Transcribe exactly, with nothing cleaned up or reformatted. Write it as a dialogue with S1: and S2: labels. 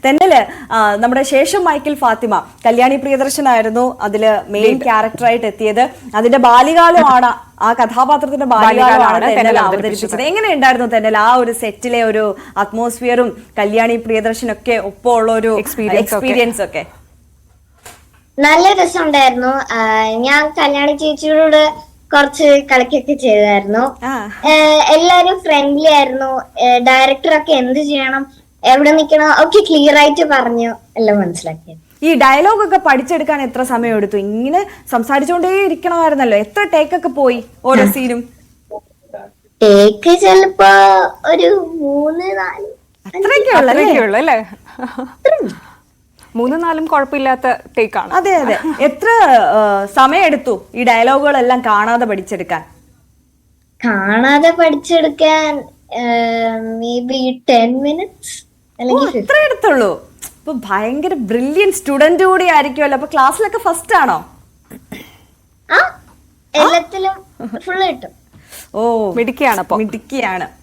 S1: തെന്നല് നമ്മുടെ ശേഷം മൈക്കിൾ ഫാത്തിമ കല്യാണി പ്രിയദർശനായിരുന്നു അതില് മെയിൻ ക്യാരക്ടറായിട്ട് എത്തിയത്. അതിന്റെ ബാല്യകാലമാണ്, ആ കഥാപാത്രത്തിന്റെ ബാല്യകാലമാണ് തെന്നൽ അവതരിപ്പിച്ചത്. എങ്ങനെയുണ്ടായിരുന്നു തെന്നൽ ആ ഒരു സെറ്റിലെ ഒരു അറ്റ്മോസ്ഫിയറും കല്യാണി പ്രിയദർശനൊക്കെ ഒപ്പം ഉള്ള ഒരു എക്സ്പീരിയൻസ് ഒക്കെ?
S2: നല്ല രസമുണ്ടായിരുന്നു. ഞാൻ കല്യാണി ചേച്ചിയോട് കുറച്ച് കളിക്കൊക്കെ ചെയ്തായിരുന്നു. എല്ലാരും ഫ്രണ്ട്ലി ആയിരുന്നു. ഡയറക്ടറൊക്കെ എന്ത് ചെയ്യണം, എവിടെ നിൽക്കണം ഒക്കെ ക്ലിയർ ആയിട്ട് പറഞ്ഞു എല്ലാം മനസ്സിലാക്കി.
S1: ഈ ഡയലോഗ് ഒക്കെ പഠിച്ചെടുക്കാൻ എത്ര സമയം എടുത്തു? ഇങ്ങനെ സംസാരിച്ചുകൊണ്ടേ ഇരിക്കണമായിരുന്നല്ലോ. എത്ര ടേക്ക് ഒക്കെ പോയി ഓരോ സീനും?
S2: ടേക്ക് ചിലപ്പോ ഒരു മൂന്ന് നാല്
S1: അത്രയൊക്കെ ഉള്ളു അല്ലേ?
S3: മൂന്നും നാലും കുഴപ്പമില്ലാത്ത ടേക്കാണ്.
S1: അതെ അതെ. എത്ര സമയം എടുത്തു ഈ ഡയലോഗുകളെല്ലാം കാണാതെ പഠിച്ചെടുക്കാൻ?
S2: കാണാതെ പഠിച്ചെടുക്കാൻ മേ ബി ടെൻ മിനിറ്റ്സ് അല്ലെങ്കിൽ
S1: ഇത്ര എടുത്തുള്ളൂ. അപ്പൊ ഭയങ്കര ബ്രില്യൻ സ്റ്റുഡന്റ് കൂടി ആയിരിക്കുമല്ലോ. അപ്പൊ ക്ലാസ്സിലൊക്കെ ഫസ്റ്റ് ആണോ?
S2: ആ എല്ലാത്തിലും ഫുള്ള് കിട്ടും.
S1: ഓ
S3: മിടുക്കിയാണ്.
S1: മിടുക്കിയാണ്.